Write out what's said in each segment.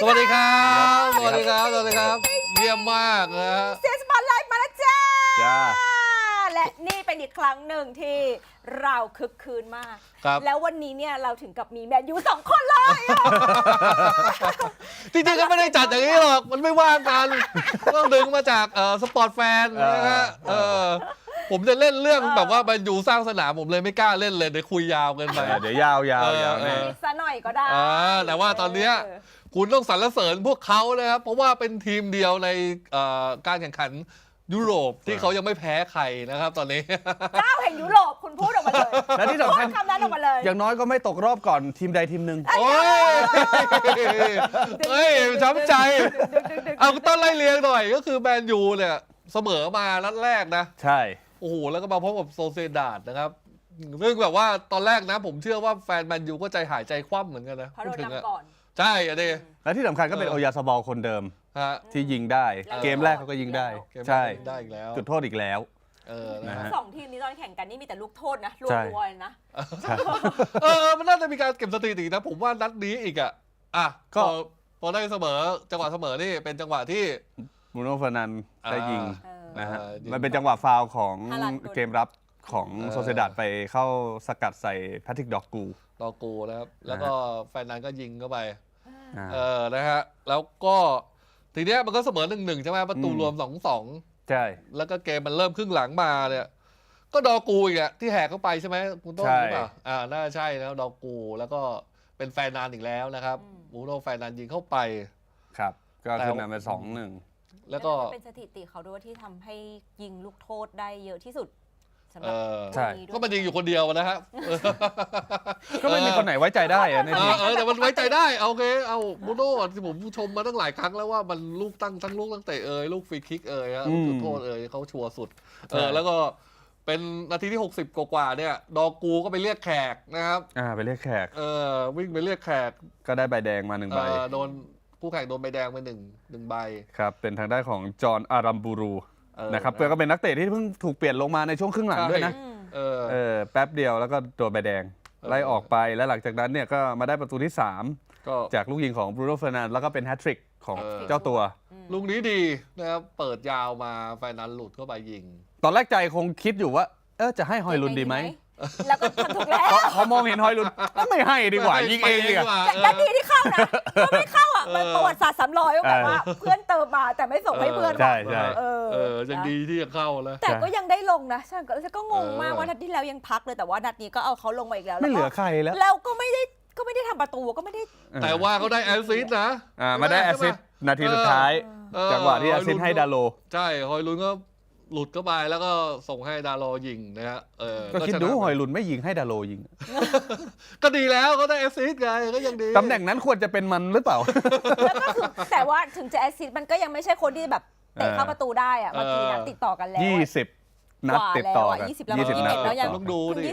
วัสดีครับสวัสดีครับสวัสดีครับเยี่ยมมากนะฮะเสียงสปอตไลท์มาแล้วจ้าจ้าและนี่เป็นอีกครั้งหนึ่งที่เราคึกคืนมากครับแล้ววันนี้เนี่ยเราถึงกับมีแมนยู2 คนเลยจริงๆก็ไม่ได้จัดอย่างนี้หรอกมันไม่ว่างกันต้องดึงมาจากสปอร์ตแฟนนะฮะผมจะเล่นเรื่องแบบว่ามันอยู่สร้างสนามผมเลยไม่กล้าเล่นเลยเดี๋ยวคุยยาวเกินไปเดี๋ยวยาวแน่นิดซะหน่อยก็ได้แต่ว่าตอนเนี้ยคุณต้องสรรเสริญพวกเขานะครับเพราะว่าเป็นทีมเดียวในการแข่งขันยุโรปที่เขายังไม่แพ้ใครนะครับตอนนี้เจ้าแห่งยุโรปคุณพูดออกมาเลยและที่สำคัญพูดคำนั้นออกมาเลยอย่างน้อยก็ไม่ตกรอบก่อนทีมใดทีมหนึ่งโอ้ยเฮ้ยช้ำใจเอาต้นไล่เลียงหน่อยก็คือแมนยูเนี่ยเสมอมานัดแรกนะใช่โอ้โหแล้วก็มาพบกับโซเซดาดนะครับซึ่งแบบว่าตอนแรกนะผมเชื่อว่าแฟนแมนยูก็ใจหายใจคว่ำเหมือนกันนะเพราะโดนถึงอะนำก่อนใช่อะดิและที่สำคัญก็เป็นโอยาซาบอลคนเดิมฮะที่ยิงได้ เกมแรกเขาก็ยิงได้เกมแรกใช่ได้อีกแล้วจุดโทษอีกแล้วนะฮะสองทีมนี้ตอนแข่งกันนี่มีแต่ลูกโทษนะรัใช่วๆนะใช่มันน่าจะมีการเก็บสถิตินะผมว่านัดนี้อีกก็พอได้เสมอจังหวะเสมอนี่เป็นจังหวะที่บรูโน่ เฟอร์นันด์ได้ยิง นะฮะยิงมันเป็นจังหวะฟาวล์ของฮาลันด์โดนเกมรับของโซเซดาดไปเข้าสกัดใส่แพทริกดอกกูดอกูนะครับแล้วก็แฟนนั้นก็ยิงเข้าไปอ่านะฮะแล้วก็ทีเนี้ยมันก็เสมอ 1-1 ใช่ไหมประตูรวม 2-2 ใช่แล้วก็เกมมันเริ่มครึ่งหลังมาเนี่ยก็ดอกูอีกอะที่แหกเข้าไปใช่ไหมคุณต้นใช่หรือเปล่าน่าใช่แล้วดอกูแล้วก็เป็นแฟนนานอีกแล้วนะครับบูโน่แฟนนานยิงเข้าไปครับ ก็ขึ้นนำไป2-1 แล้วก็เป็นสถิติเขาด้วยที่ทำให้ยิงลูกโทษได้เยอะที่สุดสำหรับใช่ก็มันยิงอยู่คนเดียวนะฮะก็ไม่มีคนไหนไว้ใจได้อะในทีมแต่มันไว้ใจได้โอเคเอาบูโน่ที่ผมชมมาตั้งหลายครั้งแล้วว่ามันลูกทั้งลูกตั้งแต่ลูกฟรีคิกลูกจุดโทษเขาชัวร์สุดแล้วก็เป็นนาทีที่60กว่าเนี่ยดอกูก็ไปเรียกแขกนะครับไปเรียกแขกวิ่งไปเรียกแขกก็ได้ใบแดงมา1ใบโดนคู่แข่งโดนใบแดงไปหนึ่งใบครับ เป็นทางด้านของจอห์นอารัมบูรูนะครับนะเพื่อก็เป็นนักเตะที่เพิ่งถูกเปลี่ยนลงมาในช่วงครึ่งหลังด้วยนะ แป๊บเดียวแล้วก็โดนใบแดงไล่ออกไปแล้วหลังจากนั้นเนี่ยก็มาได้ประตูที่ 3 ก็จากลูกยิงของบรูโน่ เฟอร์นันด์แล้วก็เป็นแฮตทริกของเจ้าตัวลูกนี้ดีนะครับเปิดยาวมาไฟนั้นหลุดเข้าไปยิงตอนแรกใจคงคิดอยู่ว่าจะให้ฮอยลุนดีไหมแล้วก็ทำถูกแล้วพอมองเห็นฮอยลุนไม่ให้ดีกว่ายิงเองดีกว่านาทีที่เข้านะก็ไม่เข้าอ่ะมันประวัติศาสตร์ซ้ำรอยว่าแบบว่าเพื่อนเติมมาแต่ไม่ส่งให้เพื่อนใช่ใช่ยังดีที่ยังเข้าแล้วแต่ก็ยังได้ลงนะฉันก็งงมากว่านัดที่แล้วยังพักเลยแต่ว่านัดนี้ก็เอาเขาลงมาอีกแล้วไม่เหลือใครแล้วแล้วก็ไม่ได้ทำประตูก็ไม่ได้แต่ว่าเขาได้แอสซิสต์นะมาได้แอสซิสต์นาทีสุดท้ายจังหวะที่แอสซิสต์ให้ดาโลใช่ฮอยลุนก็หลุดเข้าไปแล้วก็ส่งให้ดาโลยิงนะฮะก็คิดดูฮอยลุนไม่ยิงให้ดาโลยิงก็ดีแล้วเขาได้แอสซิสต์ไงก็ยังดีตำแหน่งนั้นควรจะเป็นมันหรือเปล่าแล้วก็คือแต่ว่าถึงจะแอสซิสต์มันก็ยังไม่ใช่คนที่แบบเตะเข้าประตูได้อะเมื่อกี้นะติดต่อกันแล้ว 20 นัดติดต่อกัน 20 แล้ว 20 นัดแล้วยังต้องดูดิ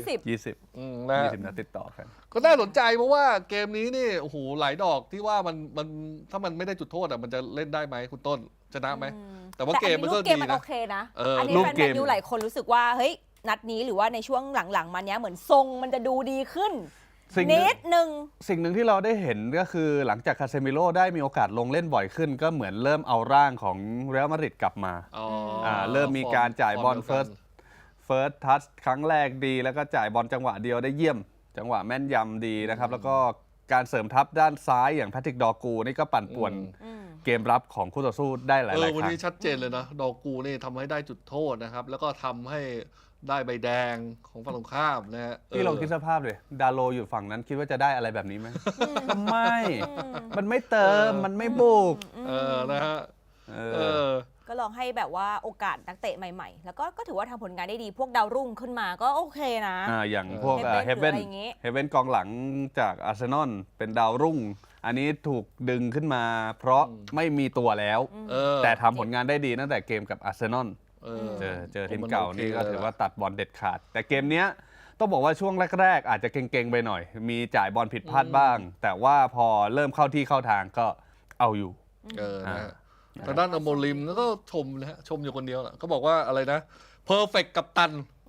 20 นะ 20 นัดติดต่อกันก็น่าสนใจเพราะว่าเกมนี้นี่โอ้โหหลายดอกที่ว่ามันถ้ามันไม่ได้จุดโทษมันจะเล่นได้ไหมคุณต้นชนะไหมแต่ว่าเกมมันก็เกดีมมันนะโอเคนะอันนี้แฟนแมนยูหลายคนรู้สึกว่าเฮ้ยนัดนี้หรือว่าในช่วงหลังๆมาเนี้ยเหมือนทรงมันจะดูดีขึ้นนิดนึงสิ่งหนึ่งที่เราได้เห็นก็คือหลังจากคาเซมิโร่ได้มีโอกาสลงเล่นบ่อยขึ้น ก็เหมือนเริ่มเอาร่างของเรอัลมาดริดกลับมาเริ่มมีการจ่ายบอลเฟิร์สทัชครั้งแรกดีแล้วก็จ่ายบอลจังหวะเดียวได้เยี่ยม จังหวะแม่นยำดีนะครับแล้วก็การเสริมทัพด้านซ้ายอย่างแพทริกดอกูนี่ก็ปั่นป่วนเกมรับของคู่ต่อสู้ได้หลายๆครั้งวันนี้ชัดเจนเลยนะดอกูนี่ทำให้ได้จุดโทษนะครับแล้วก็ทำให้ได้ใบแดงของฝั่งตรงข้ามนะฮะพี่ลองคิดสภาพเลยดาโลอยู่ฝั่งนั้นคิดว่าจะได้อะไรแบบนี้ไหมไม่ มันไม่เติมมันไม่บุกนะฮะก็ลองให้แบบว่าโอกาสนักเตะใหม่ๆ แล้วก็ถือว่าทำผลงานได้ดีพวกดาวรุ่งขึ้นมาก็โอเคนะอย่างพวกเฮเว่นกองหลังจากอาร์เซนอลเป็นดาวรุ่ง อันนี้ถูกดึงขึ้นมาเพราะไม่มีตัวแล้วแต่ทำผลงานได้ดีตั้งแต่เกมกับอาร์เซนอลเจอทีมเก่านี่ก็ถือว่าตัดบอลเด็ดขาดแต่เกมเนี้ยต้องบอกว่าช่วงแรกๆอาจจะเก่งๆไปหน่อยมีจ่ายบอลผิดพลาดบ้างแต่ว่าพอเริ่มเข้าที่เข้าทางก็เอาอยู่นะฮะทางด้านอโมริมก็ชมนะฮะชมอยู่คนเดียวแหละก็บอกว่าอะไรนะเพอร์เฟกต์กัปตัน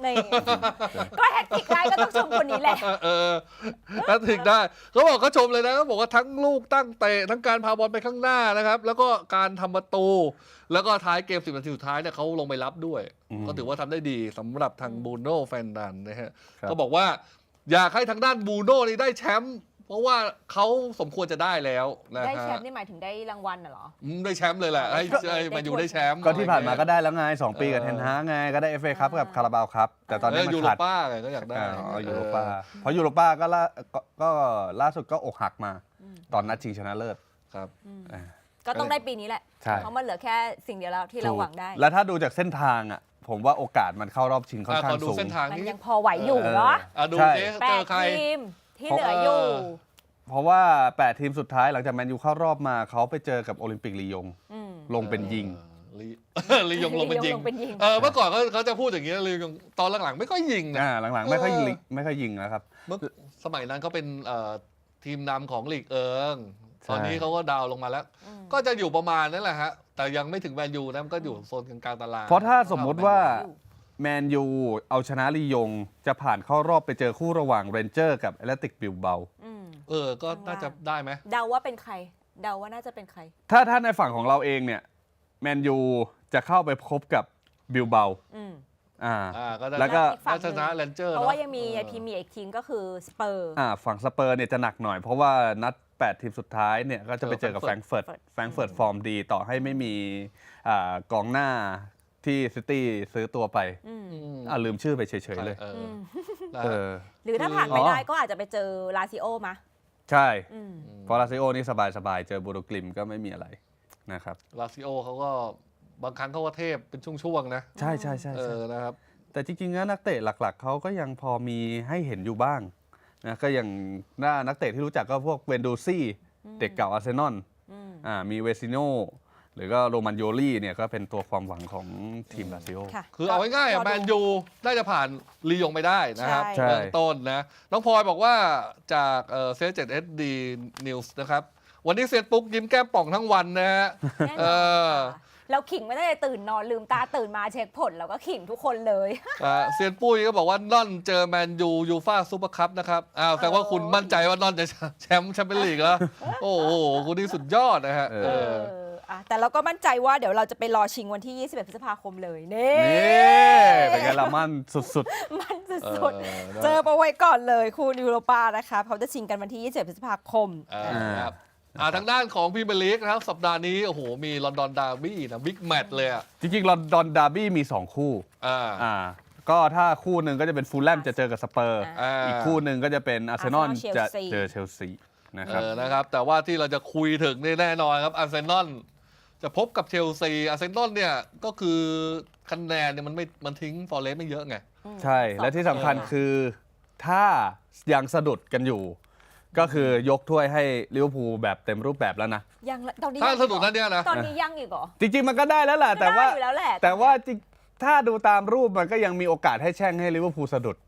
นี่ก็แฮตทริกได้ก็ต้องชมคนนี้แหละแฮตทริกได้เขาบอกเขาชมเลยนะเขาบอกว่าทั้งลูกตั้งเตะทั้งการพาบอลไปข้างหน้านะครับแล้วก็การทำประตูแล้วก็ท้ายเกม10 นาทีสุดท้ายเนี่ยเขาลงไปรับด้วยก็ถือว่าทำได้ดีสำหรับทางบูโน่แฟนดันนะฮะก็บอกว่าอยากให้ทางด้านบูโน่นี่ได้แชมป์เพราะว่าเขาสมควรจะได้แล้วนะฮะได้แชมป์นี่หมายถึงได้รางวัลเหรอได้แชมป์เลยแหละให้แมนยูได้แชมป์ก็ที่ผ่านมาก็ได้แล้วไง2 ปีกับเทนฮากไงก็ได้ FA คัพกับคาราบาวคัพแต่ตอนนี้มันยูโรขาดป้าไงก็อยากได้ยูโรป้าเพราะยูโรป้าก็ล่าสุดก็อกหักมาตอนนัดชิงชนะเลิศครับก็ต้องได้ปีนี้แหละใช่เพราะมันเหลือแค่สิ่งเดียวแล้วที่เราหวังได้แล้วถ้าดูจากเส้นทางอ่ะผมว่าโอกาสมันเข้ารอบชิงค่อนข้างขอดูสูงเส้นทางมันนี้ยังพอไหวอยู่เนาะดูใช่สิแปเจดอใครทีมที่เหลืออยู่เพราะว่า8 ทีมสุดท้ายหลังจากแมนยูเข้ารอบมาเขาไปเจอกับโอลิมปิกลียงลงเป็นยิงลียงลงเป็นยิงลียงลงเป็นยิงเมื่อก่อนเขาจะพูดอย่างนี้ลียงตอนหลังๆไม่ค่อยยิงนะหลังๆไม่ค่อยยิงนะครับเมื่อสมัยนั้นเขาเป็นทีมนำของลีกเอิงใช่ตอนนี้เขาก็ดาวลงมาแล้ว ก็จะอยู่ประมาณนั้นแหละฮะแต่ยังไม่ถึงแมนยูนะมันก็อยู่โซนกลางๆตารางเพราะถ้าสมมุติว่าแมนยูเอาชนะลียงจะผ่านเข้ารอบไปเจอคู่ระหว่างเรนเจอร์กับแอตเลติกบิลเบาก็น่าจะได้ไหมเดาว่าเป็นใคร เดาว่าน่าจะเป็นใครถ้าในฝั่งของเราเองเนี่ยแมนยูจะเข้าไปพบกับบิลเบาก็ได้แล้วก็น่าชนะแรนเจอร์เพราะว่ายังมีพรีเมียร์อีกทีมก็คือสเปอร์ฝั่งสเปอร์เนี่ยจะหนักหน่อยเพราะว่านัด8 ทีมสุดท้ายเนี่ยก็จะไปเจอกับแฟรงก์เฟิร์ตฟอร์มดีต่อให้ไม่มีกองหน้าที่ซิตี้ซื้อตัวไปลืมชื่อไปเฉยๆเลยหรือถ้าผ่านไม่ได้ก็อาจจะไปเจอลาซิโอมาใช่เพราะลาซิโอนี่สบายๆเจอบูโรกลิมก็ไม่มีอะไรนะครับลาซิโอเขาก็บางครั้งเขาก็เทพเป็นช่วงๆนะใช่นะครับแต่จริงๆแล้วนักเตะหลักๆเขาก็ยังพอมีให้เห็นอยู่บ้างนะก็อย่างหน้านักเตะที่รู้จักก็พวกเวนโดซี่เด็กเก่าอาร์เซนอลมีเวซิโนหรือก็โรมันโยลี่เนี่ยก็เป็นตัวความหวังของทีมลาซิโอคือเอาง่ายๆแมนยูน่าจะผ่านลียงไปได้นะครับเบื้องต้นนะน้องพลอยบอกว่าจากเซเจ็ดSD News นะครับวันนี้เซตปุ๊กยิ้มแก้มป่องทั้งวันนะฮะเราขิงไม่ได้ตื่นนอนลืมตาตื่นมาเช็คผลเราก็ขิงทุกคนเลยเซียนปุ้ยก็บอกว่าน่อนเจอแมนยูยูฟ่าซูเปอร์คัพนะครับแสดงว่าคุณมั่นใจว่าน่อนจะแชมป์แชมเปี้ยนลีกแล้วโอ้โหคุณนี่สุดยอดนะฮะแต่เราก็มั่นใจว่าเดี๋ยวเราจะไปรอชิงวันที่21 พฤษภาคมเลยนี่เป็นไงละมั่นสุดๆมั่นสุดๆเจอมาไว้ก่อนเลยคู่ยูโรปานะคะเขาจะชิงกันวันที่21 พฤษภาคมทางด้านของพรีเมียร์ลีกนะครับสัปดาห์นี้โอ้โหมีลอนดอนดาร์บี้นะบิ๊กแมตช์เลยอ่ะจริงๆลอนดอนดาร์บี้มี2คู่ก็ถ้าคู่หนึ่งก็จะเป็นฟูลแลมจะเจอกับสเปอร์อีกคู่หนึ่งก็จะเป็นอาร์เซนอลจะเจอเชลซีนะครับแต่ว่าที่เราจะคุยถึงแน่นอนครับอาร์เซนอลจะพบกับเชลซีอาร์เซนอลเนี่ยก็คือคะแนนเนี่ยมันทิ้งฟอร์เรสต์ไม่เยอะไงใช่และที่สำคัญคือถ้ายังสะดุดกันอยู่ก็คือยกถ้วยให้ลิเวอร์พูลแบบเต็มรูปแบบแล้วนะยังตอนนี้ถ้าสะดุดนั่นเนี่ยนะตอนนี้ยังอีกเหรอจริงๆมันก็ได้แล้วแหละแต่ว่าถ้าดูตามรูปมันก็ยังมีโอกาสให้แช่งให้ลิเวอร์พูลสะดุด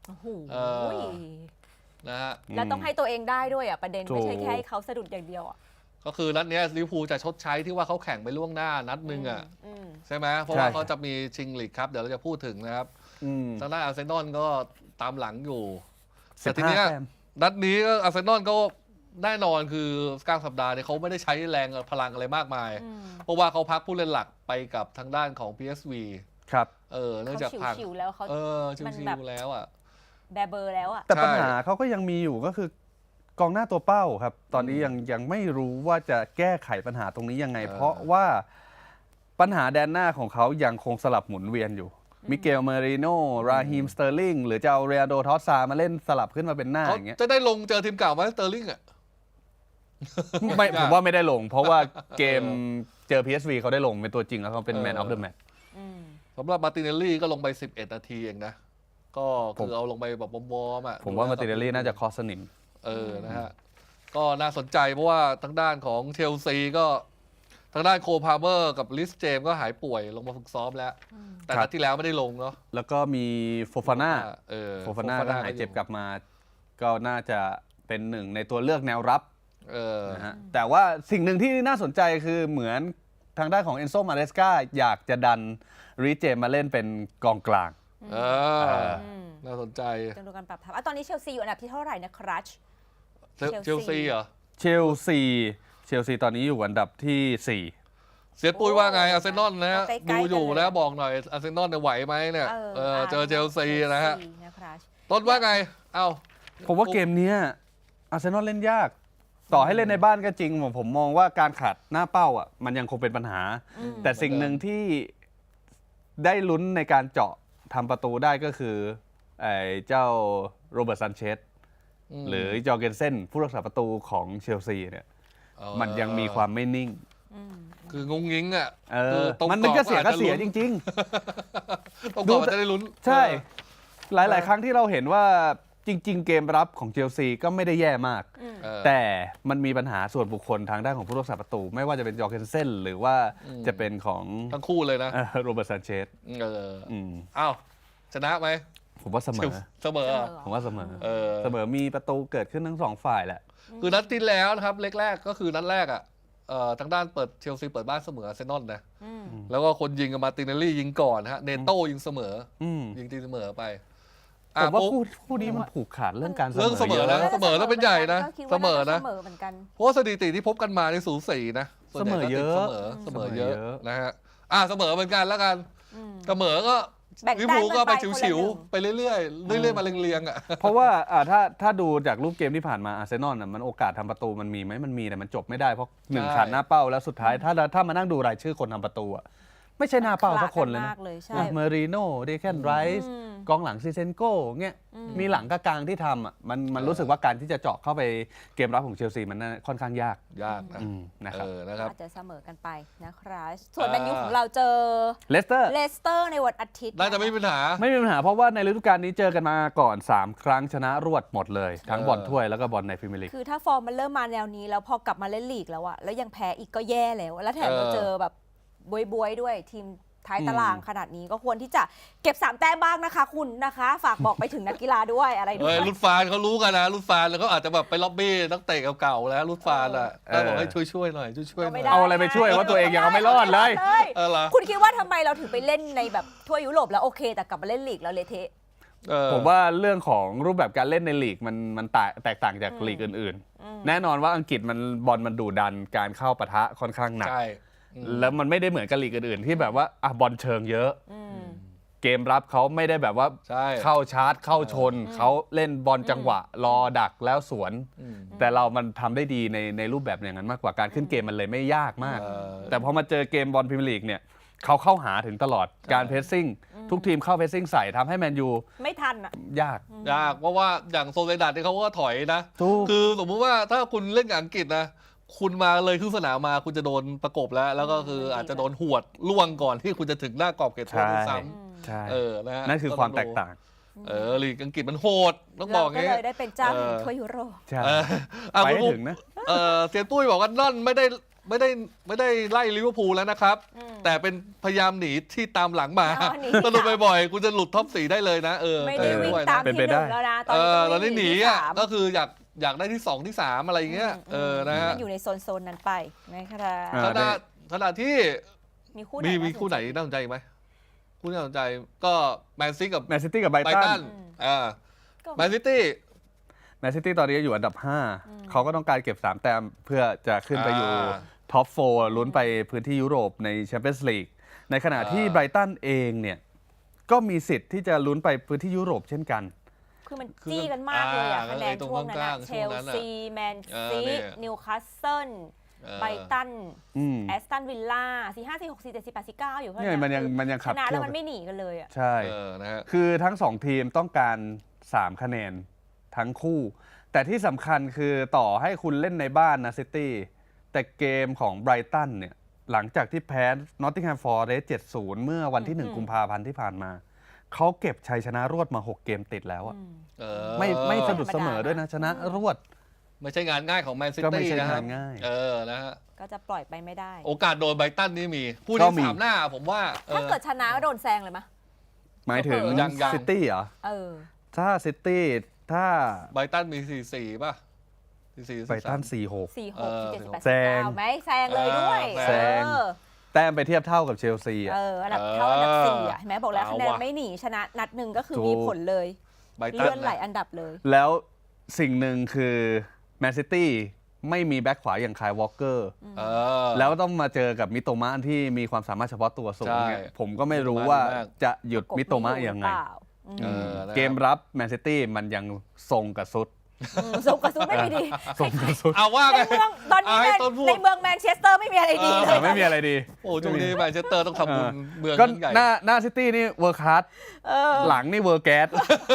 นะฮะแล้วต้องให้ตัวเองได้ด้วยประเด็นไม่ใช่แค่ให้เขาสะดุดอย่างเดียวก็คือนัดนี้ลิเวอร์พูลจะชดใช้ที่ว่าเขาแข่งไปล่วงหน้านัดนึงใช่ไหมเพราะว่าเขาจะมีชิงลีกครับเดี๋ยวเราจะพูดถึงนะครับทางด้านอาร์เซนอลก็ตามหลังอยู่แต่ทีนี้นัดนี้อาร์เซนอลก็แน่นอนคือกลางสัปดาห์เนี่ยเขาไม่ได้ใช้แรงพลังอะไรมากมายเพราะว่าเขาพักผู้เล่นหลักไปกับทางด้านของ PSV ครับเนื่องจากพักชิวๆแล้วเขาชิวๆแล้วแบเบอร์แล้วแต่ปัญหาเขาก็ยังมีอยู่ก็คือกองหน้าตัวเป้าครับตอนนี้ยังไม่รู้ว่าจะแก้ไขปัญหาตรงนี้ยังไงเพราะว่าปัญหาแดนหน้าของเขายังคงสลับหมุนเวียนอยู่มิเกลเมริโนราฮีมสเตอร์ลิงหรือจะเอาเรียโดทอสซามาเล่นสลับขึ้นมาเป็นหน้าอย่างเงี้ยจะได้ลงเจอทีมเก่าไหมสเตอร์ลิงไม่ผมว่าไม่ได้ลงเพราะว่าเกมเจอ PSV เขาได้ลงเป็นตัวจริงแล้วเขาเป็นแมนออฟเดอะแมตช์สำหรับมาร์ติเนลลี่ก็ลงไป11 นาทีเองนะก็คือเอาลงไปแบบวอร์มผมว่ามาร์ติเนลลี่น่าจะคอสนิมนะฮะก็น่าสนใจเพราะว่าทางด้านของเชลซีก็ทางด้านโคพาเมอร์กับลิสเจมก็หายป่วยลงมาฝึกซ้อมแล้วแต่นัดที่แล้วไม่ได้ลงเนาะแล้วก็มีโฟฟาน่าก็หายเจ็บกลับมาก็น่าจะเป็นหนึ่งในตัวเลือกแนวรับนะฮะแต่ว่าสิ่งหนึ่งที่น่าสนใจคือเหมือนทางด้านของเอนโซมาเรสกาอยากจะดันริเจมมาเล่นเป็นกองกลางน่าสนใจต้องดูการปรับทัพตอนนี้เชลซีอยู่อันดับที่เท่าไหร่นะครัชเชลซีเหรอเชลซีตอนนี้อยู่อันดับที่ 4 เสียปุ้ยว่าไงอาร์เซนอลนะฮะดูอยู่นะบอกหน่อยอาร์เซนอลเนี่ยไหวไหมเนี่ยเจอเชลซีนะฮะต้นว่าไงผมว่าเกมนี้อาร์เซนอลเล่นยากต่อให้เล่นในบ้านก็จริงผมมองว่าการขาดหน้าเป้าอ่ะมันยังคงเป็นปัญหาแต่สิ่งหนึ่งที่ได้ลุ้นในการเจาะทำประตูได้ก็คือเจ้าโรเบิร์ตซันเชสหรือจอร์เกนเซนผู้รักษาประตูของเชลซีเนี่ยมันยังมีความไม่นิ่งคืองงงิ้งอ่ะมันก็เสียจริงๆต้องจะได้ลุ้นใช่หลายๆครั้งที่เราเห็นว่าจริงๆเกมรับของเชลซีก็ไม่ได้แย่มากแต่มันมีปัญหาส่วนบุคคลทางด้านของผู้รักษาประตูไม่ว่าจะเป็นจอร์เกนเซนหรือว่าจะเป็นของทั้งคู่เลยนะโรเบิร์ตซันเชสอ้าวชนะไหมผมว่าเสมอผมว่าเสมอมีประตูเกิดขึ้นทั้ง2ฝ่ายแหละคือนัดที่แล้วนะครับเล็กแรกก็คือนัดแรกอ่ะทางด้านเชลซีเปิดบ้านเสมออาร์เซนอลนะแล้วก็คนยิงกับมาติเนลลี่ยิงก่อนฮะเนโต้ยิงเสมอยิงตีเสมอไปผมว่าคู่นี้มันผูกขาดเรื่องการเสมอนะเสมอแล้วเป็นใหญ่นะเสมอนะเพราะสถิติที่พบกันมาในสูสีนะเสมอเยอะนะฮะเสมอเหมือนกันแล้วกันเสมอก็ลิเวอร์พูลก็ไปฉิวๆไปเรื่อยๆมาเรียงๆอ่ะเพราะว่าถ้าดูจากรูปเกมที่ผ่านมาอาร์เซนอลมันโอกาสทำประตูมันมีไหมมันมีแต่มันจบไม่ได้เพราะ1ขาดหน้าเป้าแล้วสุดท้ายถ้ามานั่งดูรายชื่อคนทำประตูอะไม่ใช่หน้าเป้าสักคนเลยนะเมอริโน่เดแคนไรส์กองหลังซิเซนโก้เงี้ยมีหลังกลางที่ทำอ่ะมันรู้สึกว่าการที่จะเจาะเข้าไปเกมรับของเชลซีมันค่อนข้างยากนะครับอาจจะเสมอกันไปนะครับส่วนแมนยูของเราเจอเลสเตอร์ในวันอาทิตย์น่าจะไม่มีปัญหาเพราะว่าในฤดูกาลนี้เจอกันมาก่อน3ครั้งชนะรวดหมดเลยทั้งบอลถ้วยแล้วก็บอลในพรีเมียร์ลีกคือถ้าฟอร์มมันเริ่มมาแนวนี้แล้วพอกลับมาเล่นลีกแล้วอะแล้วยังแพ้อีกก็แย่แล้วแถมเราเจอแบบบวยด้วยทีมท้ายตารางขนาดนี้ก็ควรที่จะเก็บ3แต้มบ้างนะคะคุณนะคะฝากบอกไปถึงนักกีฬาด้วยอะไรด้วยรุ่นฟานเขารู้กันนะรุ่นฟานแล้วก็อาจจะแบบไปล็อบบี้นักเตะเก่าๆแล้วรุ่นฟานอ่ะก็บอกให้ช่วยหน่อยช่วยเอาอะไรไปช่วยว่าตัวเองยังเอาไม่รอดเลยคุณคิดว่าทำไมเราถึงไปเล่นในแบบทั่วยุโรปแล้วโอเคแต่กลับมาเล่นลีกแล้วเละเทะผมว่าเรื่องของรูปแบบการเล่นในลีกมันแตกต่างจากลีกอื่นๆแน่นอนว่าอังกฤษบอลมันดุดันการเข้าปะทะค่อนข้างหนักแล้วมันไม่ได้เหมือนกับลีกอื่นๆที่แบบว่าบอลเชิงเยอะเกมรับเขาไม่ได้แบบว่าเข้าชาร์จเข้าชนเขาเล่นบอลจังหวะรอดักแล้วสวนแต่เรามันทำได้ดีในรูปแบบอย่างนั้นมากกว่าการขึ้นเกมมันเลยไม่ยากมากแต่พอมาเจอเกมบอลพรีเมียร์ลีกเนี่ยเขาเข้าหาถึงตลอดการเพรสซิ่งทุกทีมเข้าเพรสซิ่งใส่ทำให้แมนยูไม่ทันยากเพราะว่าอย่างโซเลดาดที่เขาก็ถอยนะคือสมมติว่าถ้าคุณเล่นกับอังกฤษนะคุณมาเลยครึ่งสนามมาคุณจะโดนประกบแล้วก็คืออาจจะโดนหวดล่วงก่อนที่คุณจะถึงหน้ากรอบเขตโทษซ้ำนั่นคือความแตกต่างลีกอังกฤษมันโหดต้องบอกงี้ก็เลยได้เป็นเจ้าแห่งถ้วยยุโรปไปถึงนะเซียนตุ้ยบอกว่านั่นไม่ได้ไล่ลิเวอร์พูลแล้วนะครับแต่เป็นพยายามหนีที่ตามหลังมาสนุกบ่อยๆคุณจะหลุดท็อป4ได้เลยนะไม่ได้วิ่งตามที่1แล้วนะตอนนี้หนีก็คืออยากได้ที่2ที่3อะไรอย่างเงี้ยนะฮะอยู่ในโซนนั้นไปนะครับขณะที่มีคู่ไหนน่าสนใจไหมคู่น่าสนใจก็แมนซิตี้กับไบรตันแมนซิตี้ตอนนี้อยู่อันดับ5เขาก็ต้องการเก็บ3แต้มเพื่อจะขึ้นไปอยู่ท็อป4ลุ้นไปพื้นที่ยุโรปในแชมเปี้ยนส์ลีกในขณะที่ไบรตันเองเนี่ยก็มีสิทธิ์ที่จะลุ้นไปพื้นที่ยุโรปเช่นกันคือมันจี้กันมากเลยคะแนนช่วงนั้นเชลซีแมนซีนิวคาสเซิลไบรตันแอสตันวิลล่า4-5 4-6 4-7 4-8 4-9อยู่เพื่อนมันยังขับชนะแล้วมันไม่หนีกันเลยใช่คือทั้ง2ทีมต้องการ3คะแนนทั้งคู่แต่ที่สำคัญคือต่อให้คุณเล่นในบ้านนะซิตี้แต่เกมของไบรตันเนี่ยหลังจากที่แพ้นอตติงแฮมฟอเรสต์ 7-0 เมื่อวันที่1กุมภาพันธ์ที่ผ่านมาเขาเก็บชัยชนะรวดมา6เกมติดแล้วอะไม่สะดุดเสมอด้วยนะชนะรวดไม่ใช่งานง่ายของแมนซิตี้นะฮะนะฮะก็จะปล่อยไปไม่ได้โอกาสโดนไบรตันนี่มีผู้ที่3หน้าผมว่าถ้าเกิดชนะก็โดนแซงเลยมั้ยหมายถึงซิตี้เหรอถ้าซิตี้ถ้าไบรตันมี4-4ป่ะไบรตัน4-6 4-6 7-8 9มั้ยแซงเลยด้วยแซงแต้มไปเทียบเท่ากับเชลซีอ่ะอันดับเท่าอันดับ4อ่ะเห็นไหมบอกแล้วคะแนนไม่หนีชนะนัดหนึ่งก็คือมีผลเลยเลื่อนหลายอันดับเลยแล้วสิ่งหนึ่งคือแมนซิตี้ไม่มีแบ็คขวาอย่างคายวอลเกอร์แล้วต้องมาเจอกับมิโตมะที่มีความสามารถเฉพาะตัวสูงเนี่ยผมก็ไม่รู้ว่าจะหยุดมิโตมะยังไงเกมรับแมนซิตี้มันยังทรงกับซุดส่งกระสุนไม่มีดีส่งกับซุดเอาว่าในเมืองตอนนี้ในเมืองแมนเชสเตอร์ไม่มีอะไรดีเลยไม่มีอะไรดีโอ้ช่วงนี้แมนเชสเตอร์ต้องทำบุญเมืองก็ใหญ่หน้าซิตี้นี่เวอร์คัสหลังนี่เวอร์แก๊ส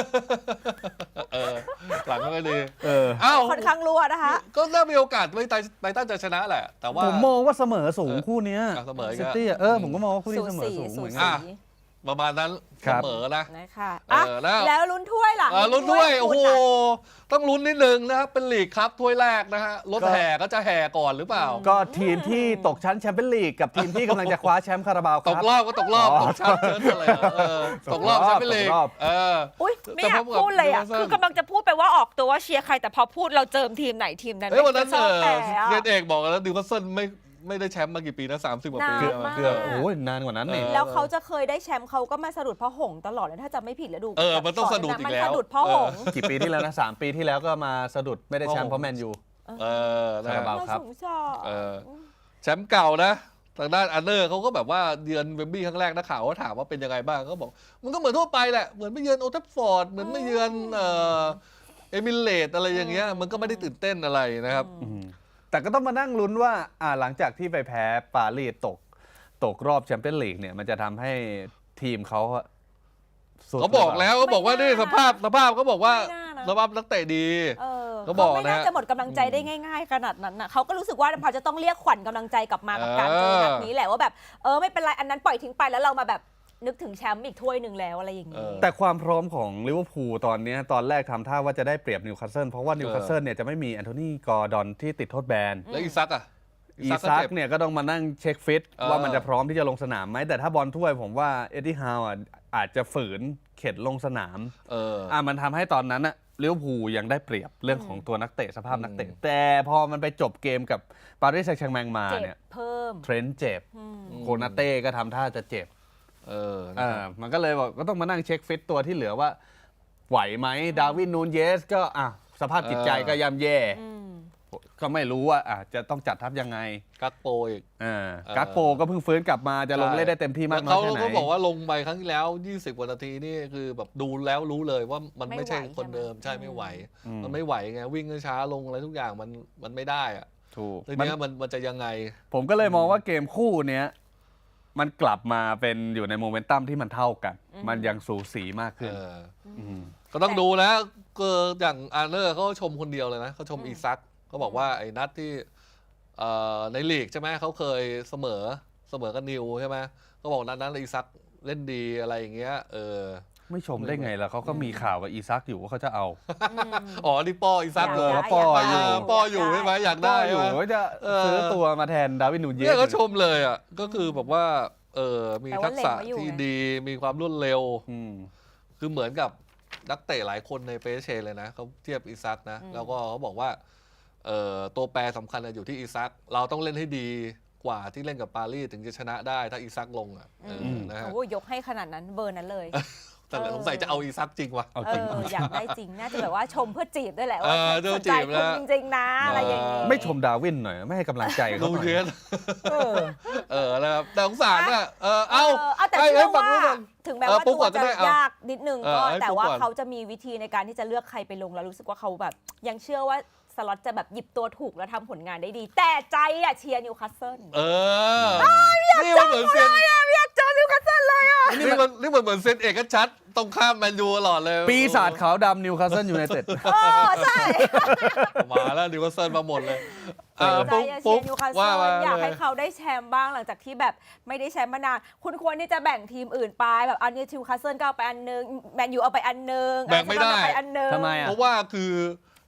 หลังก็ไม่ดีค่อนข้างรั่วนะคะก็น่ามีโอกาสไบรตันจะชนะแหละแต่ว่าผมมองว่าเสมอสูงคู่นี้เสมอซิตี้ผมก็มองว่าคู่นี้เสมอสูงเหมือนกันประมาณนั้นเสมอนะนะคะแล้วลุ้นถ้วยล่ะลุ้นถ้วยโอ้โหต้องลุ้นนิดนึงนะครับเป็นลีกครับถ้วยแรกนะฮะรถแห่ก็จะแห่ก่อนหรือเปล่าก็ทีมที่ตกชั้นแชมเปี้ยนลีกกับทีมที่กำลังจะคว้าแชมป์คาราบาวครับตกรอบก็ตกรอบตกชั้นเชิญอะไรตกรอบแชมเปี้ยนลีกอุ้ยไม่อยากพูดเลยอ่ะคือกำลังจะพูดไปว่าออกตัวว่าเชียร์ใครแต่พอพูดเราเจิมทีมไหนทีมนั้นวันนั้นเรียนเอกบอกแล้วดิวคัสเซิลไม่ได้แชมป์มากี่ปีนะ30 กว่าปีเกือบโอ้ยนานกว่านั้นนี่แล้วเขาจะเคยได้แชมป์เขาก็มาสะดุดพ่อหงตลอดเลยถ้าจะไม่ผิดแล้วดูมันต้องสะดุดอีกแล้วมันสะดุดพ่อหงกี่ปีที่แล้วนะ3 ปีที่แล้วก็มาสะดุดไม่ได้แชมป์เพราะแมนยูคาราบาวครับแชมป์เก่านะทางด้านอันเนอร์เขาก็แบบว่าเยือนเวมบลีย์ครั้งแรกนักข่าวก็ถามว่าเป็นยังไงบ้างก็บอกมันก็เหมือนทั่วไปแหละเหมือนไม่เยือนโอลด์แทราฟฟอร์ดเหมือนไม่เยือนเอมิเรตส์อะไรอย่างเงี้ยมันก็ไม่ได้ตื่นเต้นอะไรนะครับแต่ก็ต้องมานั่งลุ้นว่าหลังจากที่ไปแพ้ปารีสตกรอบแชมเปี้ยนลีกเนี่ยมันจะทำให้ทีมเขาบอกแล้วก็บอกว่านี่สภาพเขาบอกว่าสภาพนักเตะดีเขาบอกนะไม่น่าจะหมดกำลังใจได้ง่ายๆขนาดนั้นนะเขาก็รู้สึกว่าพอจะต้องเรียกขวัญกำลังใจกลับมากับการเจอนัดนี้แหละว่าแบบไม่เป็นไรอันนั้นปล่อยทิ้งไปแล้วเรามาแบบนึกถึงแชมป์อีกถ้วยหนึ่งแล้วอะไรอย่างนี้แต่ความพร้อมของลิเวอร์พูลตอนนี้ตอนแรกทำท่าว่าจะได้เปรียบนิวคาสเซิลเพราะว่านิวคาสเซิลเนี่ยจะไม่มีแอนโทนีกอร์ดอนที่ติดโทษแบนแล้วอีซักเนี่ยก็ต้องมานั่งเช็คฟิตว่ามันจะพร้อมที่จะลงสนามไหมแต่ถ้าบอลถ้วยผมว่าเอ็ดดี้ฮาวอาจจะฝืนเข็ดลงสนามมันทำให้ตอนนั้นอะลิเวอร์พูลยังได้เปรียบเรื่องของตัวนักเตะสภาพนักเตะแต่พอมันไปจบเกมกับปารีสแซงต์แชร์แมงมาเนี่ยเพิ่มเทรนต์เจ็บโคนาเต้ก็ทำท่าจะเจ็บมันก็เลยบอกก็ต้องมานั่งเช็คฟิตตัวที่เหลือว่าไหวไหมดาร์วินนูนเยสก็สภาพจิตใจก็ย่ำแย่ก็ไม่รู้ว่าจะต้องจัดทัพยังไงกักโปอีกกักโปก็เพิ่งฟื้นกลับมาจะลงเล่นได้เต็มที่มากน้อยแค่ไหนเขาบอกว่าลงไปครั้งที่แล้ว20 กว่านาทีนี่คือแบบดูแล้วรู้เลยว่ามันไม่ใช่คนเดิมใช่ไม่ไหวมันไม่ไหวไงวิ่งช้าลงอะไรทุกอย่างมันไม่ได้อะถูกทีนี้มันจะยังไงผมก็เลยมองว่าเกมคู่เนี้ยมันกลับมาเป็นอยู่ในโมเมนตัมที่มันเท่ากันมันยังสูสีมากขึ้นก็ต้องดูนะก็อย่างอาร์เนอร์เขาชมคนเดียวเลยนะเขาชมอีซักเขาบอกว่าไอ้นัดที่ในลีกใช่ไหมเขาเคยเสมอกับนิวใช่ไหมเขาบอกนั้นอีซักเล่นดีอะไรอย่างเงี้ยไม่ชมได้ไงล่ะเขาก็มีข่าวกับอีซักอยู่ว่าเขาจะเอานี่ป้ออีซักป้ออยู่ใช่ไหมอยากได้อยู่ว่าจะซื้อตัวมาแทนดาร์วินนูนเยสเนี่ยเขาชมเลยอ่ะก็คือแบบว่ามีทักษะที่ดีมีความรวดเร็วคือเหมือนกับนักเตะหลายคนในเปเช่เลยนะเขาเทียบอีซักนะแล้วก็เขาบอกว่าตัวแปรสำคัญอยู่ที่อีซักเราต้องเล่นให้ดีกว่าที่เล่นกับปารีสถึงจะชนะได้ถ้าอีซักลงนะฮะยกให้ขนาดนั้นเบอร์นั้นเลยแต่สงสัยจะเอาอีซักจริงวะอยากได้จริงน่าจะแบบว่าชมเพื่อจีบด้วยแหละว่าสนใจคุณจริงๆนะอะไรอย่างนี้ไม่ชมดาวินหน่อยไม่ให้กำลังใจเขาหน่อยนะครับแต่สงสารอ่ะแต่เชื่อว่าถึงแม้ว่าตัวจะยากนิดนึงก็แต่ว่าเขาจะมีวิธีในการที่จะเลือกใครไปลงแล้วรู้สึกว่าเขาแบบยังเชื่อว่าสล็อตจะแบบหยิบตัวถูกแล้วทำผลงานได้ดีแต่ใจเชียร์นิวคาสเซิลนี่มันเหมือนเซนอยากเจอนิวคาสเซิลเลยนี่มันเหมือนเซนเอกชัดตรงข้ามแมนยูตลอดเลยปีศาจขาวดำนิวคาสเซิลยูไนเต็ดใช่มาแล้วนิวคาสเซิลมาหมดเลยปุ๊บนิวคาสเซิลอยากให้เขาได้แชมป์บ้างหลังจากที่แบบไม่ได้แชมป์มานานคุณควรที่จะแบ่งทีมอื่นไปแบบอันนี้นิวคาสเซิลก็เอาไปอันนึงแมนยูเอาไปอันนึงแบ่งไม่ได้ทำไมเพราะว่าคือ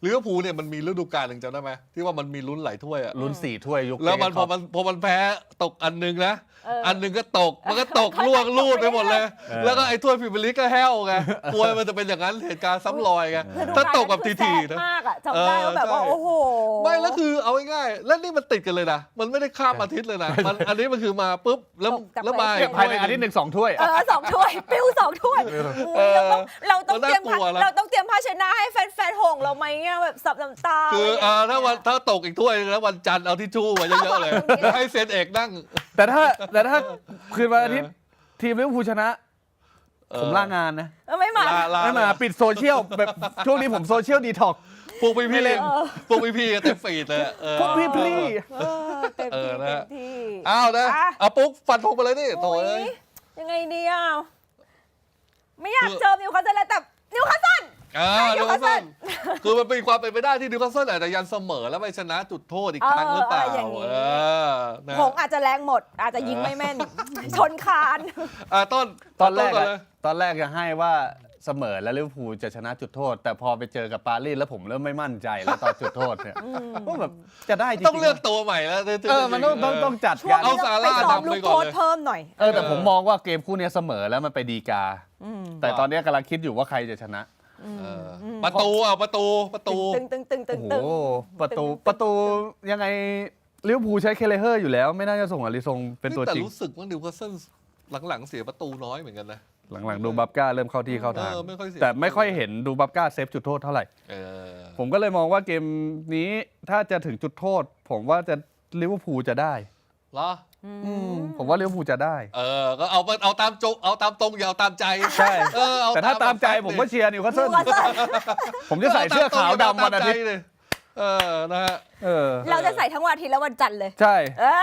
ลิเวอร์พูลเนี่ยมันมีฤดูกาลหนึ่งจำได้ไหมที่ว่ามันมีลุ้นหลายถ้วยอะลุ้น4 ถ้วยยุคแล้วมันเจพคออบมันแพ้ตกอันหนึงนะ อันหนึงก็ตกมันก็ตกเขาล่วงตกลูดไปหมดเลย แล้วก็ไอ้ถ้วยพรีเมียร์ลีกก็แห้วไงกลัวมันจะเป็นอย่างนั้นเหตุการณ์ซ้ำรอยไง ถ้าตกแบบทีๆนะมากอะจำได้ว่าแบบว่าใช่โอ้โหไม่แล้วคือเอาง่ายๆแล้วนี่มันติดกันเลยนะมันไม่ได้ข้ามอาทิตย์เลยนะมันอันนี้มันคือมาปุ๊บแล้วมาภายในอาทิตย์หนึ่ง2 ถ้วย 2 ถ้วยปิ้ว2 ถ้วยเราต้องเตรียมมันน่ากลัวนะเราต้องเตรียมภาชนะให้แฟนๆหงเราไหมเนี่ยแบบสับน้ำตาคืออะไรอย่างเงี้ยถ้าตกอีกถ้วยแล้ววันจันทร์เอาทิชชู่มาเยอะๆเลยแล้วให้เซนเอกนั่งแต่ถ้าคืนวันอาทิตย์ทีมลิเวอร์พูลชนะ ผมลางานนะไม่มาไม่มาปิดโซเชียลแบบช่วงนี้ผมโซเชียลดีท็อกพวกพี่ๆพวกพี่ๆก็เต็มฟีดเลยเออพวกพี่เต็มที่เอเต็อมนะที่อ้าวนะอ่ะเอาปุ๊กฟันธงไปเลยนี่โถ่โอ้เอ้ยยยังไงดีอ่ะไม่อยากเจอนิวคาสเซิลเลยแต่นิวคาสเซิลนิวคาสเซิลคือมันเป็นความเป็นไปได้ที่นิวคาสเซิลอาจจะยันเสมอแล้วไปชนะจุดโทษอีกครั้งหรือเปล่าอย่างนี้นะหงอาจจะแรงหมด อาจจะยิงไม่แม่น ชนคานตอนแรกก่อะเลยตอนแรกจะให้ว่าเสมอแล้วลิเวอร์พูลจะชนะจุดโทษ แต่พอไปเจอกับปารีสแล้วผมเริ่มไม่มั่นใจแล้วตอนจุดโทษเนี่ยว่าแบบจะได้จริงๆต้องเลือกตัวใหม่แล้วมันต้องจัดช่วกาง รเอานี้ซาต้องร่าไปซ้อมนำลูไปกก่โทอนษเลยเพิ่มหน่อยแต่ผมมองว่าเกมคู่เนี้ยเสมอแล้วมันไปดีกา แต่ตอนเนี้ยกำลังคิดอยู่ว่าใครจะชนะประตูตึงตึงตึงตึงโอ้ตึงโหประตูยังไงลิเวอร์พูลใช้เคเลเฮอร์อยู่แล้ว ไม่น่าจะส่งอาริซงเป็นตัวแต่จริงรู้สึกว่านิวคาสเซิลหลังๆเสียประตูน้อยเหมือนกันนะหลังๆดูบับก้าเริ่มเข้าที่เข้าทางไม่ค่อยเสียแต่ไม่ค่อยเห็นดูบับก้าเซฟจุดโทษเท่าไหร่ ผมก็เลยมองว่าเกมนี้ถ้าจะถึงจุดโทษ ผมว่าจะลิเวอร์พูลจะได้เหรอผมว่าลิเวอร์พูลจะได้ก็เอาตามตรงอย่าเอาตามใจใช่เอแต่ถ้าตามใจผมก็เชียร์นิวคาสเซิลผมจะใส่เสื้อขาวดำวันอาทิตย์นะฮะเราจะใส่ทั้งวันอาทิตย์และวันจันทร์เลยใช่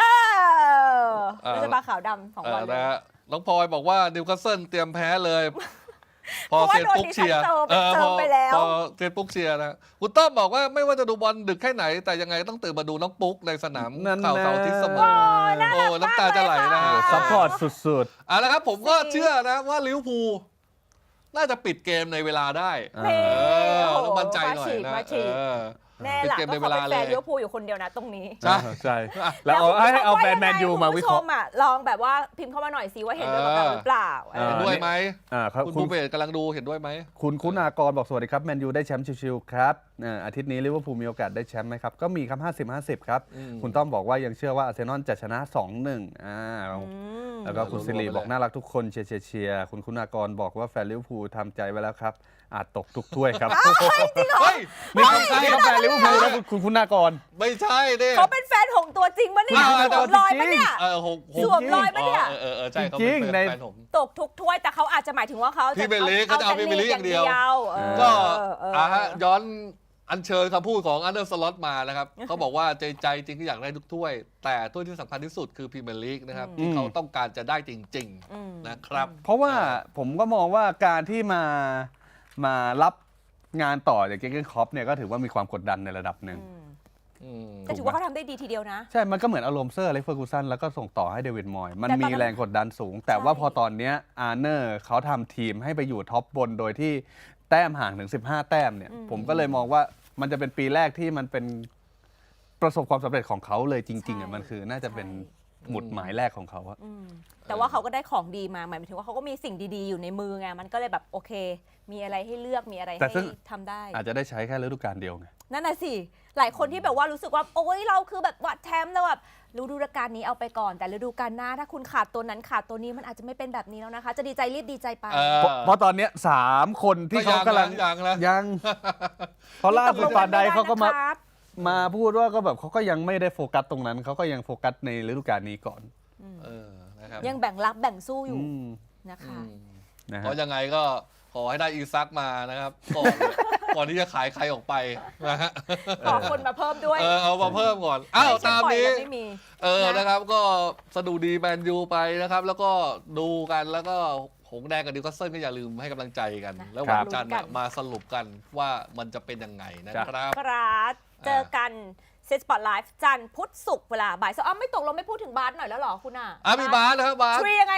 เราจะมาขาวดำ2 วันเลยนะฮะน้องพลอยบอกว่านิวคาสเซิลเตรียมแพ้เลย พอเพราะว่าเซียนปุ๊กเชียร์โดนดิฉันเติมไปแล้วพอเซียนปุ๊กเชียร์นะคุณต้อมบอกว่าไม่ว่าจะดูบอลดึกแค่ไหน แต่ยังไงต้องตื่นมาดูน้องปุ๊กในสนามนั่นนะข่าวเสาร์อาทิตย์เสมอน่ารักน้ำตาจะไหลนะฮะซัพพอร์ตสุดเอาละครับผมก็เชื่อนะว่าลิเวอร์พูลน่าจะปิดเกมในเวลาได้นี่ต้องมั่นใจหน่อยนะมาฉีกแน่หละปิดเกมก็ในเวเขาลาเป็นแฟนเลยลิเวอร์พูลอยู่คนเดียวนะตรงนี้ๆใช่แล้วให้เอาแฟนแมนยูมาวิเคราะห์ณผู้ชลองแบบว่าพิมพ์เข้ามาหน่อยสิว่าเห็นด้วยกับเราหรือเปล่าเออเห็นด้วยไหมครับคุณคุภูณเบศกำลังดูเห็นด้วยไหมคุณากรบอกสวัสดีครับแมนยูได้แชมป์ชิวๆครับอาทิตย์นี้ลิเวอร์พูลมีโอกาสได้แชมป์ไหมครับ ก็มีครับ50-50 ครับ คุณต้อมบอกว่ายังเชื่อว่าอาร์เซนอลจะชนะ 2-1แล้วก็คุณสิริบอกน่ารักทุกคนเชียร์คุณากรบอกว่าแฟนลิเวอร์พูลทำใจไว้แล้วครับ อาจตกทุกถ้วยครับเฮ้ยนี่เขาแฟนลิเวอร์พูลแล้วคุณากรไม่ใช่ดิเขาเป็นแฟนหงตัวจริงปะเนี่ยไม่สวมรอยปะเนี่ย สวมรอยปะเนี่ยใช่เขาจริเป็นงๆในแฟนผมตกทุกถ้วยแต่เขาอาจจะหมายถึงว่าเขาพรีเมียร์ลีกเขาจะเอาพรีเมียร์ลีกอย่างเดียวก็ก็ฮะย้อนอัญเชิญคำพูดของอันเดอร์สล็อตมานะครับ เขาบอกว่าใจจริงก็อยากได้ทุกถ้วย แต่ถ้วยที่สำคัญที่สุดคือพรีเมียร์ลีกนะครับที่เขาต้องการจะได้จริงๆนะครับเพราะว่าผมก็มองว่าการที่มารับงานต่อจากเกเกนคล็อปเนี่ยก็ถือว่ามีความกดดันในระดับหนึ่งแต่ถือว่าเขาทำได้ดีทีเดียวนะใช่ มันก็เหมือนอารมณ์เซอร์อเล็กซ์เฟอร์กูสันแล้วก็ส่งต่อให้เดวิดมอยมันแต่ตอนมีนั้นแรงกดดันสูง แต่ใช่ว่าพอตอนเนี้ยอาร์เนอร์เขาทำทีมให้ไปอยู่ท็อปบนโดยที่แต้มห่างถึง 15 แต้มเนี่ย ผมก็เลยมองว่ามันจะเป็นปีแรกที่มันเป็นประสบความสำเร็จของเขาเลยจริงๆอ่ะมันคือน่าจะเป็นหมุดหมายแรกของเขาอะแต่ว่าเขาก็ได้ของดีมาหมายถึงว่าเขาก็มีสิ่งดีๆอยู่ในมือไงมันก็เลยแบบโอเค มีอะไรให้เลือกมีอะไรแต่ให้ซึ่งทำได้อาจจะได้ใช้แค่ฤดูกาลเดียวไงนั่นน่ะสิหลายคนที่แบบว่ารู้สึกว่าโอ๊ยเราคือแบบวัดแชมป์แล้วแบบฤดูกาลนี้เอาไปก่อนแต่ฤดูกาลหน้าถ้าคุณขาดตัวนั้นขาดตัวนี้มันอาจจะไม่เป็นแบบนี้แล้วนะคะ จะดีใจรีบดีใจไปเพราะตอนเนี้ย3 คนที่เขากำลัง ยัง เพราะล่าสุดฟาไดเขาก็มาพูดว่าก็แบบเขาก็ยังไม่ได้โฟกัสตรงนั้นเขาก็ยังโฟกัสในฤดูกาลนี้ก่อนนะครับยังแบ่งรับแบ่งสู้อยู่นะคะนะฮะเพราะยังไงก็ขอให้ได้อีซักมานะครับ ก่อนที่จะขายใครออกไปนะฮะขอคนมาเพิ่มด้วยเอามาเพิ่มก่อนอ้าวตามนี้ไม่มีนะครับก็สะดุดีแมนยูไปนะครับ แล้วก็ดูกันแล้วก็หงส์แดงกับนิวคาสเซิลก็อย่าลืมให้กำลังใจกัน แล้ววันจันทร์มาสรุปกันว่ามันจะเป็นยังไงนะครับครับเจอกันเซตสปอตไลฟ์จันทร์พุธศุกร์เวลาบ่าย2ไม่ตกลงไม่พูดถึงบาสหน่อยแล้วหรอคุณอ่ะมีบาสนะครับบาสทรียังไงนะ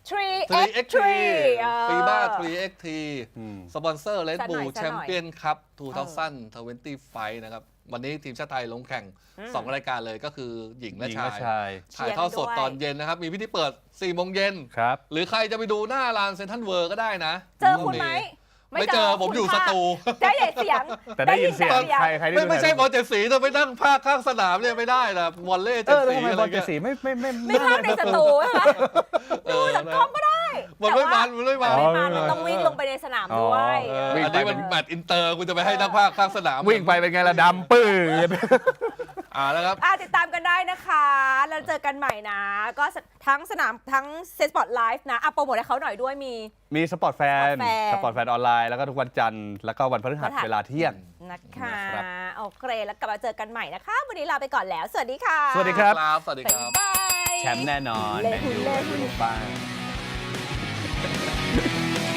3x3 ฟีบ้า 3x3 อืมสปอนเซอร์ Red สักหน่อย Bull แชมเปี้ยนคัพ2025 นะครับ วันนี้ทีมชาติไทยลงแข่ง 2 รายการเลยก็คือหญิงและหญิงชาและยชายถ่ายทอดสดตอนเย็นนะครับ มีพิธีเปิด 4 โมงเย็นครับหรือใครจะไปดูหน้าลานเซ็นทรัลเวิร์ก็ได้นะเจอคุณไหมไม่เจอผมอยู่สตูได้ยินเสียงแต่ได้ยินเสียงใครที่ดูไม่ใช่บอลเจ็ดสีจะไปนั่งภาคข้างสนามเนี่ยไม่ได้นะวอลเล่เอเจ็ดอแล้วสีทำไมอะไรบอลเจ็เงี้ดยสีไม่ไม่ภาคในสตูใช่ไหมดูจากกล้องก็ได้มันไม่มันมันไม่มันไม่มามันต้องวิ่งลงไปในสนามด้วยวิ่งอันไปนี้มันแมตช์อินเตอร์คุณจะไปให้นักภาคข้างสนามวิ่งไปเป็นไงล่ะดำปื้อแล้วครับติดตามกันได้นะคะ แล้วเจอกันใหม่นะ ก็ทั้งสนามทั้งเซสปอร์ตไลฟ์นะโปรโมทให้เขาหน่อยด้วยมีสปอร์ตแฟนสปอร์ตแฟนออนไลน์แล้วก็ทุกวันจันทร์แล้วก็วันพฤหัสเวลาเที่ยงนะคะนะครับโอเคแล้วกลับมาเจอกันใหม่นะคะ วันนี้ลาไปก่อนแล้ว สวัสดีค่ะสวัสดีครับสวัสดีครับบ๊ายบายแชมป์แน่นอนเล่แมนนยูเล่นยูโรป้า